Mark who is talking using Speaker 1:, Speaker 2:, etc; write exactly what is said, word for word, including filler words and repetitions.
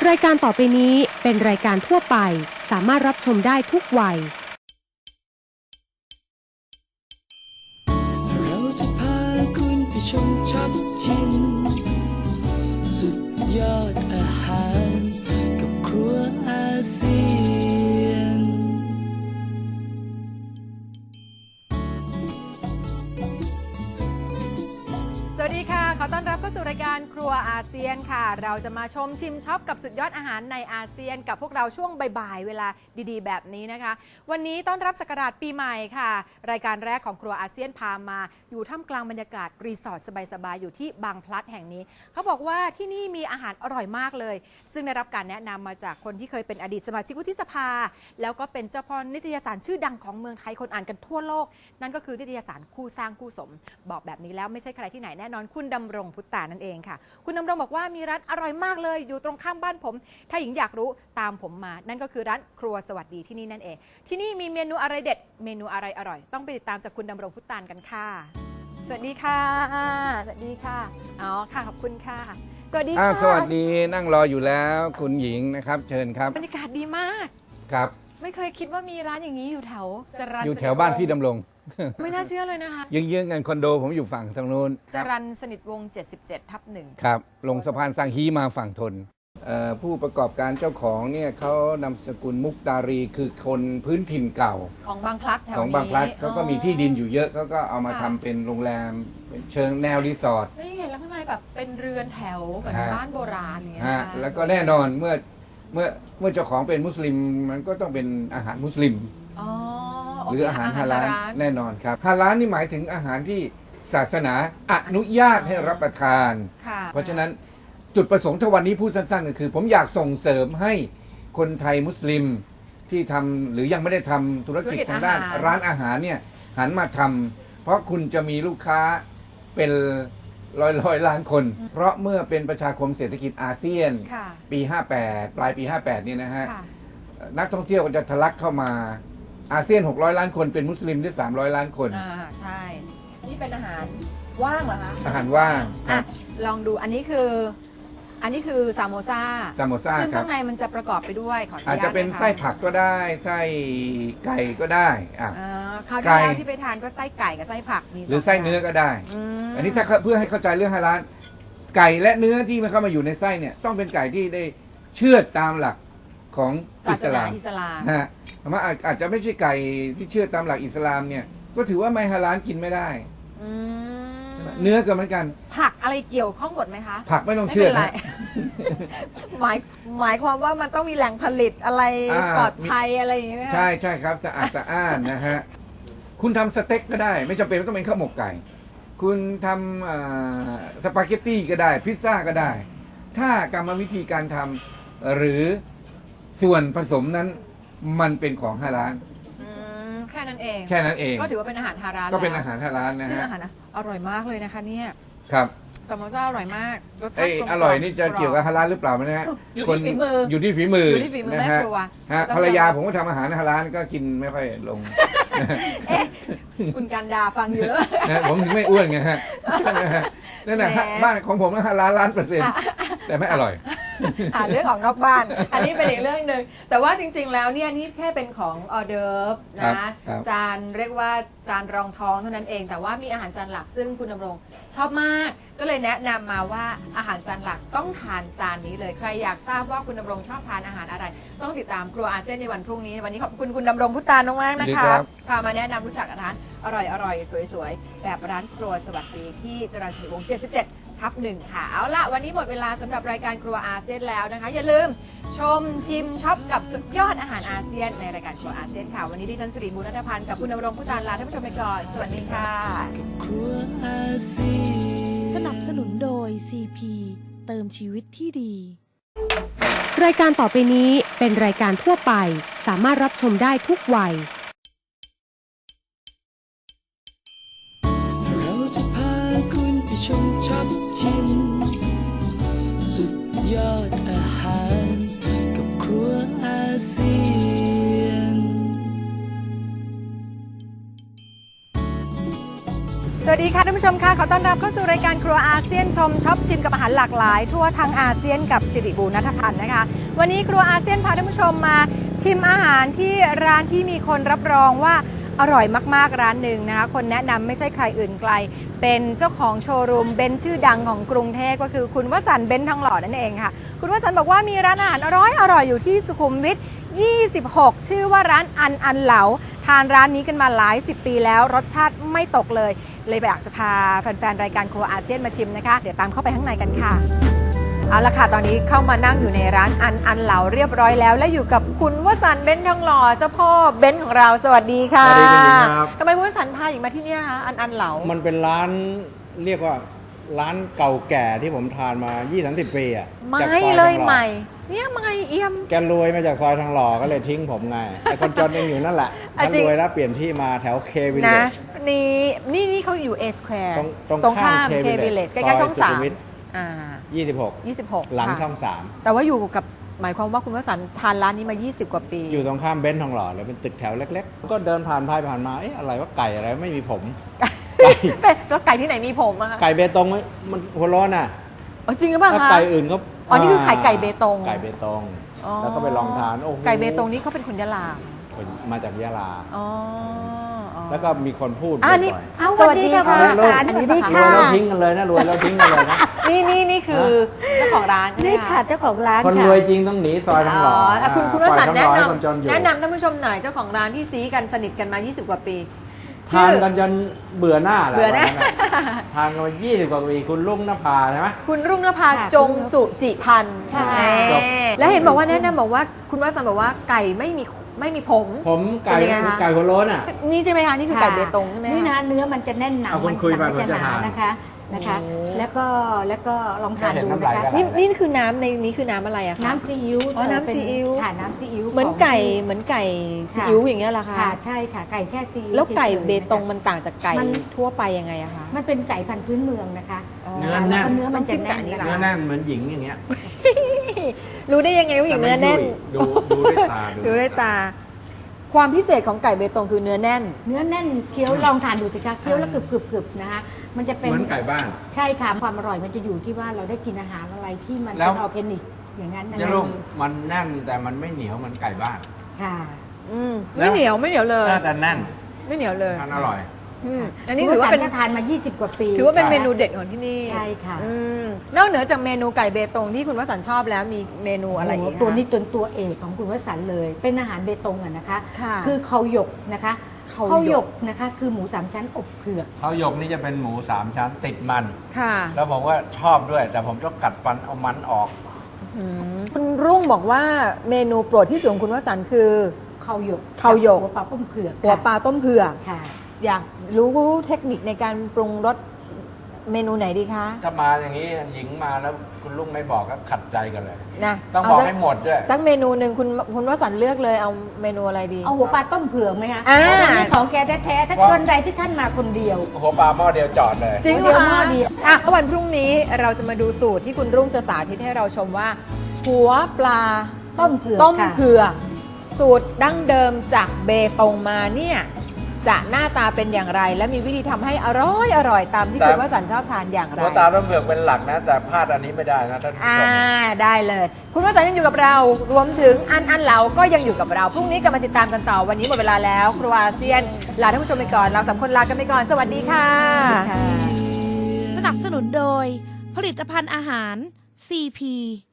Speaker 1: รายการต่อไปนี้เป็นรายการทั่วไปสามารถรับชมได้ทุกวัย
Speaker 2: เราจะพาคุณไปชมช็อปชิมสุดยอดอาหารกับครัวอาเซียน
Speaker 3: สวัสดีค่ะขอต้อนรับเข้าสู่รายการครัวอาเซียนค่ะเราจะมาชมชิมช็อปกับสุดยอดอาหารในอาเซียนกับพวกเราช่วงบ่ายๆเวลาดีๆแบบนี้นะคะวันนี้ต้อนรับศักราชปีใหม่ค่ะรายการแรกของครัวอาเซียนพามาอยู่ท่ามกลางบรรยากาศรีสอร์ทสบายๆอยู่ที่บางพลัดแห่งนี้เขาบอกว่าที่นี่มีอาหารอร่อยมากเลยซึ่งได้รับการแนะนำมาจากคนที่เคยเป็นอดีตสมาชิกวุฒิสภาแล้วก็เป็นเจ้าพ่อนิตยสารชื่อดังของเมืองไทยคนอ่านกันทั่วโลกนั่นก็คือนิตยสารคู่สร้างคู่สมบอกแบบนี้แล้วไม่ใช่ใครที่ไหนแน่นอนคุณดำรงพุทธานั่นเองค่ะคุณดำรงบอกว่ามีร้านอร่อยมากเลยอยู่ตรงข้ามบ้านผมถ้าหญิงอยากรู้ตามผมมานั่นก็คือร้านครัวสวัสดีที่นี่นั่นเองที่นี่มีเมนูอะไรเด็ดเมนูอะไรอร่อยต้องไปติดตามจากคุณดำรงพุทธากันค่ะสวัสดีค่ะสวัสดีค่ะอ๋อค่ะขอบคุณค่ะสวัสดีค่ะ
Speaker 4: สวัสดีนั่งรออยู่แล้วคุณหญิงนะครับเชิญครับ
Speaker 3: บรรยากาศดีมาก
Speaker 4: ครับ
Speaker 3: ไม่เคยคิดว่ามีร้านอย่างนี้อยู่แถวจรัญ
Speaker 4: อยู่แถวบ้านพี่ดำรง
Speaker 3: ไม่น่าเชื่อเลยนะคะ
Speaker 4: เยื้องๆกันคอนโดผมอยู่ฝั่งทางโน้น
Speaker 3: จรัญสนิทวงศ์เจ็ดสิบเจ็ดทับหนึ่ง
Speaker 4: ครับลงสะพานสังฮีมาฝั่งทนผู้ประกอบการเจ้าของเนี่ยเขานามสกุลมุกดารีคือคนพื้นถิ่นเก่า
Speaker 3: ของบางพลัดแถวนี้
Speaker 4: ของบางพลัดเขาก็มีที่ดินอยู่เยอะเขาก็เอามาทำเป็นโรงแรมเป็นเชิงแนวรีสอร์ท
Speaker 3: ไม่เห็นแล้วข้างในแบบเป็นเรือนแถวแบบบ้านโบราณอย่างเงี้ย
Speaker 4: แล้วก็แน่นอนเมื่อเมื่อเมื่อเจ้าของเป็นมุสลิมมันก็ต้องเป็นอาหารมุสลิมหรืออาหารฮาลาลแน่นอนครับฮาลาลนี่หมายถึงอาหารที่ศาสนาอนุญาตให้รับประทานเพราะฉะนั้นจุดประสงค์ทวันนี้พูดสั้นๆก็คือผมอยากส่งเสริมให้คนไทยมุสลิมที่ทำหรือยังไม่ได้ทำธุรกิจทางด้านร้านอาหารเนี่ยหันมาทำเพราะคุณจะมีลูกค้าเป็นร้อยร้อยล้านคนเพราะเมื่อเป็นประชาคมเศรษฐกิจอาเซียนปีห้าแปดปลายปีห้าแปดนี่นะฮะนักท่องเที่ยวก็จะทะลักเข้ามาอาเซียนหกร้อยล้านคนเป็นมุสลิมได้สามร้อยล้านคน
Speaker 3: อ่าใช่นี่เป็นอาหารว่างเหรอคะ
Speaker 4: อาหารว่าง
Speaker 3: อ่ะลองดูอันนี้คืออันนี้คือซามโมซา
Speaker 4: ซามโมซา
Speaker 3: ซึ่งข้างในมันจะประกอบไปด้วยขออนุญาต
Speaker 4: อาจจะเป็นไส้ผักก็ได้ไส้ไก่ก็ได้อ่ะ
Speaker 3: คราวที่แล้วที่ไปทานก็ไส้ไก่กับไส้ผักมี
Speaker 4: หรือไส้เนื้อก็ได้อันนี้ถ้าเพื่อให้เข้าใจเรื่องฮาลาลไก่และเนื้อที่มันเข้ามาอยู่ในไส้เนี่ยต้องเป็นไก่ที่ได้เชื่อตามหลักของอิสลาม
Speaker 3: อิสลาม
Speaker 4: ฮะแต่ว่าอาจจะไม่ใช่ไก่ที่เชื่อตามหลักอิสลามเนี่ยก็ถือว่าไม่ฮาลาลกินไม่ได้เนื้อก็เหมือนกัน
Speaker 3: ผักอะไรเกี่ยวข้องหมดไหมคะ
Speaker 4: ผักไม่ต้องเชื่อนะ
Speaker 3: หมายหมายความว่ามันต้องมีแหล่งผลิตอะไรปลอดภัยอะไรอย่างเงี้ย
Speaker 4: ใช่ใช่ครับสะอาดสะอ้านนะฮะคุณทำสเต็กก็ได้ไม่จำเป็นต้องเป็นข้าวหมกไก่คุณทำสปาเกตตี้ก็ได้พิซซ่าก็ได้ถ้ากรรมวิธีการทำหรือส่วนผสมนั้นมันเป็นของฮาลาล
Speaker 3: แค่นั้นเอง
Speaker 4: แค่นั้นเอง
Speaker 3: ก็ถือว่าเป็นอาหารฮาลาล
Speaker 4: ก็เป็นอาหารฮาลาลนะฮะ
Speaker 3: ซึ่งอาหารอร่อยมากเลยนะคะเนี่ย
Speaker 4: ครับ
Speaker 3: ซามโมซ่าอร่อยมาก
Speaker 4: รสชาติอร่อยนี่จะเกี่ยวกับฮาลาลหรือเปล่านะฮะ
Speaker 3: อยู่ที่ฝีมือ
Speaker 4: อยู่ที่ฝีมือ
Speaker 3: อยู่ที่ฝีมือแม่ครัว
Speaker 4: ฮะภรรยาผมก็ทำอาหารฮาลาลก็กินไม่ค่อยลง
Speaker 3: คุณการดาฟังอยู่แล้ว
Speaker 4: ผมถึงไม่อ้วนไงฮะนั่นแหละบ้านของผมฮาลาลล้านเปอร์เซ็นต์แต่ไม่อร่อย
Speaker 3: เรื่องของนอกบ้านอันนี้เป็นอีกเรื่องหนึ่งแต่ว่าจริงๆแล้วเนี่ยนี่แค่เป็นของออเดิร์ฟนะจานเรียกว่าจานรองท้องเท่านั้นเองแต่ว่ามีอาหารจานหลักซึ่งคุณดำรงชอบมากก็เลยแนะนำมาว่าอาหารจานหลักต้องทานจานนี้เลยใครอยากทราบว่าคุณดำรงชอบทานอาหารอะไรต้องติดตามครัวอาเซียนในวันพรุ่งนี้วันนี้ขอบคุณคุณดำรงพุทธานมากนะคะพามาแนะนำรู้จักร้านอร่อยๆสวยๆแบบร้านครัวสวัสดีที่จรัญสนิทวงศ์เจ็ดสิบเจ็ดทับหนึ่งค่ะเอาละวันนี้หมดเวลาสำหรับรายการครัวอาเซียนแล้วนะคะอย่าลืมชมชิมช็อปกับสุดยอดอาหารอาเซียนในรายการครัวอาเซียนค่ะวันนี้ดิฉันสิริมูลนัทพันธ์กับคุณดำรงพุทธานลาท่านผู้ชมไปก่อนสวัสดีค่ะ
Speaker 1: สนับสนุนโดย ซี พี เติมชีวิตที่ดีรายการต่อไปนี้เป็นรายการทั่วไปสามารถรับชมได้ทุกวัย
Speaker 2: เราจะพาคุณไปชมช็อปชิมสุดยอดอาหารกับครัวอาเซียน
Speaker 3: สวัสดีค่ะท่านผู้ชมค่ะขอต้อนรับเข้าสู่รายการครัวอาเซียนชมช็อปชิมกับอาหารหลากหลายทั่วทั้งอาเซียนกับสิริบูรณัฐพันธ์นะคะวันนี้ครัวอาเซียนพาท่านผู้ชมมาชิมอาหารที่ร้านที่มีคนรับรองว่าอร่อยมากๆร้านหนึ่งนะคะคนแนะนำไม่ใช่ใครอื่นไกลเป็นเจ้าของโชว์รูมเบนซ์ชื่อดังของกรุงเทพก็คือคุณวสันต์เบนซ์ทองหล่อนั่นเองค่ะคุณวสันต์บอกว่ามีร้านอาหารอร่อยอร่อยอยู่ที่สุขุมวิทยี่สิบหกชื่อว่าร้านอันอันเหลาทานร้านนี้กันมาหลายสิบปีแล้วรสชาติไม่ตกเลยเลยอยากจะพาแฟนๆรายการครัวอาเซียนมาชิมนะคะเดี๋ยวตามเข้าไปข้างในกันค่ะเอาละค่ะตอนนี้เข้ามานั่งอยู่ในร้านอันอันเหลาเรียบร้อยแล้วและอยู่กับคุณวสันต์เบนซ์ทองหล่อเจ้าพ่อเบนซ์ของเราสวัสดีค่ะ
Speaker 5: สวัสดีคุณหญิงครับ
Speaker 3: ทำไมคุณวสันต์พาหญิงมาที่เนี่ยคะอันอันเหลา
Speaker 5: มันเป็นร้านเรียกว่าร้านเก่าแก่ที่ผมทานมา ยี่สิบ สามสิบ ปีอ่ะ
Speaker 3: ไม่
Speaker 5: จากซอ
Speaker 3: เลย
Speaker 5: ทองห
Speaker 3: ให
Speaker 5: ล่อ
Speaker 3: ม่เนี่ยใหม่เอี่ยม
Speaker 5: แกรวยมาจากซอยทองหล่อก็เลยทิ้งผมไงไอ้คนจนยังอยู่นั่นแหละ
Speaker 3: อ่ะ
Speaker 5: ฉัน
Speaker 3: จริง
Speaker 5: รวยแล้วเปลี่ยนที่มาแถวเควิลเล
Speaker 3: นะ
Speaker 5: จ
Speaker 3: นี่นี่นี่เขาอยู่ A Square
Speaker 5: ตรงตรง
Speaker 3: ตรงข้าม
Speaker 5: ข้าม
Speaker 3: K
Speaker 5: K
Speaker 3: Village
Speaker 5: Village
Speaker 3: ใกล้ๆช่อง
Speaker 5: ซอยสุ
Speaker 3: สา
Speaker 5: ขุ
Speaker 3: ม
Speaker 5: มวิท
Speaker 3: อ่า
Speaker 5: ยี่สิบหก
Speaker 3: ยี่สิบหก
Speaker 5: หลัง
Speaker 3: ค่ะ
Speaker 5: ช่องสาม
Speaker 3: แต่ว่าอยู่กับหมายความว่าคุณวสันต์ทานร้านนี้มา ยี่สิบ กว่าปี
Speaker 5: อยู่ตรงข้ามเบนซ์ทองหล่อเลยเป็นตึกแถวเล็กๆ ก็เดินผ่านไปผ่านมาเอ๊ะอะไรว่าไก่อะไรไม่มีผม ไก่
Speaker 3: แล้วไก่ที่ไหนมีผมอะคะ
Speaker 5: ไก่เบตงไหมมันหัวร้อนอ่ะ
Speaker 3: อ๋อจริงหรือเปล่า
Speaker 5: ถ้า
Speaker 3: คะ
Speaker 5: ไก่อื่นก็
Speaker 3: อ๋อนี่คือไข่ไก่เบตง
Speaker 5: ไก่เบตง
Speaker 3: อ๋อ
Speaker 5: แล้วก็ไปลองทานโอ้โห
Speaker 3: ไก่เบตงนี่เขาเป็นคนยะลา
Speaker 5: มาจากยะลา
Speaker 3: อ๋ออ๋อ
Speaker 5: แล้วก็มีคนพูด
Speaker 3: อ่านี่
Speaker 5: บ่อย
Speaker 3: สวัสดีค่ะ
Speaker 5: ๆ
Speaker 3: คุณวสันต์
Speaker 5: ร
Speaker 3: อันนี้
Speaker 5: วย
Speaker 3: ค่ะ
Speaker 5: แล้วทิ้งกันเลยนะรวยแล้วทิ้งกันเลยนะ
Speaker 3: นี่นี่นี่คือเจ้าของร้านใช่ไหม
Speaker 6: นี่ค่ะเจ้าของร้าน
Speaker 5: คนร
Speaker 6: ค่ะ
Speaker 5: วยจริงต้องหนีซอยทองหล่อ
Speaker 3: อ่ะคุณคุณว
Speaker 5: ปล่อย
Speaker 3: สันต์
Speaker 5: ทอง
Speaker 3: แนะ
Speaker 5: หล่อให้
Speaker 3: น
Speaker 5: คนจนอยู่
Speaker 3: ำแนะนำท่านผู้ชมหน่อยเจ้าของร้านที่ซีกันสนิทกันมา ยี่สิบ กว่าปี
Speaker 5: ทานกันจนเบื่อหน้าแหละ
Speaker 3: เบื่อหน้า
Speaker 5: วันนั้นน่ะทานกันมายี่สิบกว่าปีคุณลุงนภาใช่ไหม
Speaker 3: คุณรุ่งนภา
Speaker 6: ค่ะ
Speaker 3: จงสุจิพันธ์
Speaker 6: ค่ะ
Speaker 3: แน่
Speaker 5: จบ
Speaker 3: แล้วเห็นบอกว่าแนะนำบอกว่าคุณวสันต์บอกว่าไก่ไม่มีไม่มีผม
Speaker 5: ผมไก่
Speaker 3: เป็นยังไงคะ
Speaker 5: ไก่หัวโล้นอ่ะ
Speaker 3: นี่ใช่ไหมคะนี่คือไก่เบตงใช่ไหมคะ
Speaker 6: นี่นะเนื้อมันจะแน่นหนา
Speaker 5: เอาคุณคุยไป
Speaker 6: มั
Speaker 5: ผมจะ
Speaker 6: หนา
Speaker 5: ทาน
Speaker 6: นะคะนะคะ
Speaker 3: โอ้
Speaker 6: แล้วก็แล้วก็ลองทาน
Speaker 5: แค่เห็น
Speaker 6: ดู
Speaker 5: น้ำ
Speaker 6: นะ
Speaker 5: ลาย
Speaker 6: คะ
Speaker 5: ก็ไหล
Speaker 3: นี่นี่คือน้ำในนี้คือน้ำอะไรอะคะ
Speaker 6: น้ำซีอิ๊ว
Speaker 3: อ๋อน้ำซีอิ๊ว
Speaker 6: ค่ะน้ำซีอิ๊ว
Speaker 3: เหมือน
Speaker 6: ของ
Speaker 3: ไก่เหมือนไก่ซีอิ๊วอย่างเงี้ยเหรอคะ
Speaker 6: ค่ะใช่ค่ะไก่แช่ซีอิ๊ว
Speaker 3: แล้วไก่
Speaker 6: ฉยๆ
Speaker 3: เบตง
Speaker 6: นะคะ
Speaker 3: มันต่างจากไก่
Speaker 6: มัน
Speaker 3: ทั่วไปยังไงอะคะ
Speaker 6: มันเป็นไก่พันธุ์พื้นเมืองนะคะ
Speaker 3: อ๋อ
Speaker 5: เนื้อแน่น
Speaker 6: ล้วก็เนื้อมันจะแน่น
Speaker 3: ต้องจิ้มกับอันนี้เหร
Speaker 6: นะ
Speaker 5: เนื้อ
Speaker 6: คะ
Speaker 5: แน่นเหมือนหญิงอย่างเงี้ย
Speaker 3: รู้ได้ยังไงว่าอย่างเนื้อแน่น
Speaker 5: ดูดูด้วยตา
Speaker 3: ดูด้วยตา ความพิเศษของไก่เบตงคือเนื้อแน่น
Speaker 6: เนื้อแน่นเคี้ยวลองทานดูสิคะเคี้ยวแล้วกรึบกรึบกรึบนะคะมันจะเป็น
Speaker 5: เหมือนไก่บ้าน
Speaker 6: ใช่ค่ะความอร่อยมันจะอยู่ที่ว่าเราได้กินอาหารอะไรที่มัน
Speaker 5: แล้ว
Speaker 6: เป็นออร์แกนิกอย่างนั้นนะ
Speaker 5: จะ
Speaker 6: คะ
Speaker 5: ลุงมันแน่นแต่มันไม่เหนียวเหมือนไก่บ้าน
Speaker 6: ค่ะ
Speaker 3: อืมไม่เหนียวไม่เหนียวเลย
Speaker 5: น่าจะแน่น
Speaker 3: ไม่เหนียวเลย
Speaker 5: ทานอร่อย
Speaker 3: อืมอันนี้ถือว่าเป็น
Speaker 6: คุณวสันต์ก็ทานมา ยี่สิบ กว่าปี
Speaker 3: ถือว่าเป็นเมนูเด็ดของที่นี่
Speaker 6: ใช่ค่ะ
Speaker 3: อืมนอกเหนือจากเมนูไก่เบตงที่คุณวสันต์ชอบแล้วมีเมนูอะไรอีก
Speaker 6: โโห
Speaker 3: คะ
Speaker 6: ตัวนี้ตัวตัวเอกของคุณวสันต์เลย เป็นอาหารเบตงอะนะคะ
Speaker 3: ค่ะ
Speaker 6: คือเขาหยกนะคะ
Speaker 3: เขาหยก
Speaker 6: เขาหยกนะคะ คือหมูสามชั้นอบเผือก
Speaker 5: เขาหยกนี่จะเป็นหมูสามชั้นติดมัน
Speaker 3: ค่ะ
Speaker 5: แล้วผมว่าชอบด้วย แต่ผมต้องกัดฟันเอามันออก
Speaker 3: อืมคุณรุ่งบอกว่าเมนูโปรดที่สุดของคุณวสันต์คือ
Speaker 6: เขาหยก
Speaker 3: เขาหยก
Speaker 6: หัวปลาต้มเผือก
Speaker 3: หัวปลาต้มเผือก
Speaker 6: ค่ะ
Speaker 3: อยากรู้เทคนิคในการปรุงรสเมนูไหนดีคะ
Speaker 5: ถ้ามาอย่างนี้หญิงมาแล้วคุณลุงไม่บอกก็ขัดใจกันเลย
Speaker 3: นะ
Speaker 5: ต้อง
Speaker 3: เา
Speaker 5: บอก
Speaker 3: สั
Speaker 5: ให้หมดด้วย
Speaker 3: สักเมนูหนึ่งคุณคุณวสันต์เลือกเลยเอาเมนูอะไรดี
Speaker 6: เอาหัวปลาต้มเผือกไหมคะ
Speaker 3: อ่า
Speaker 6: อันนี้ของแกแท้ๆถ้า
Speaker 5: ว่า
Speaker 6: คนใดที่ท่านมาคนเดียว
Speaker 5: หัวปลาหม้อเดียวจอดเลย
Speaker 3: จริงเหร
Speaker 6: เดี๋ยว
Speaker 3: อ
Speaker 6: หม้อ
Speaker 3: คะ
Speaker 6: เดียว
Speaker 3: อ่ะวันพรุ่งนี้เราจะมาดูสูตรที่คุณรุ่งจะสาธิตให้เราชมว่า หัวปลา
Speaker 6: ต้มเผือก
Speaker 3: ต้ม
Speaker 6: ค่ะ
Speaker 3: เผือกสูตรดั้งเดิมจากเบตงมาเนี่ยจะหน้าตาเป็นอย่างไร และมีวิธีทำให้อร่อยอร่อยตามที่
Speaker 5: แต่
Speaker 3: คุณวสันต์ชอบทานอย่างไร
Speaker 5: หัวตาต้องเผือกเป็นหลักนะ แต่พลาดอันนี้ไม่ได้นะท่านผู้
Speaker 3: อ่า
Speaker 5: ชม
Speaker 3: ได้เลย คุณวสันต์ยังอยู่กับเรา รวมถึงอันอันเหลาก็ยังอยู่กับเรา พรุ่งนี้กลับมาติดตามกันต่อ วันนี้หมดเวลาแล้ว ครัวอาเซียน ลาท่านผู้ชมไปก่อน เราสามคนลากันไปก่อน สวัสดีค่ะ
Speaker 1: สนับสนุนโดย ผลิตภัณฑ์อาหาร ซี พี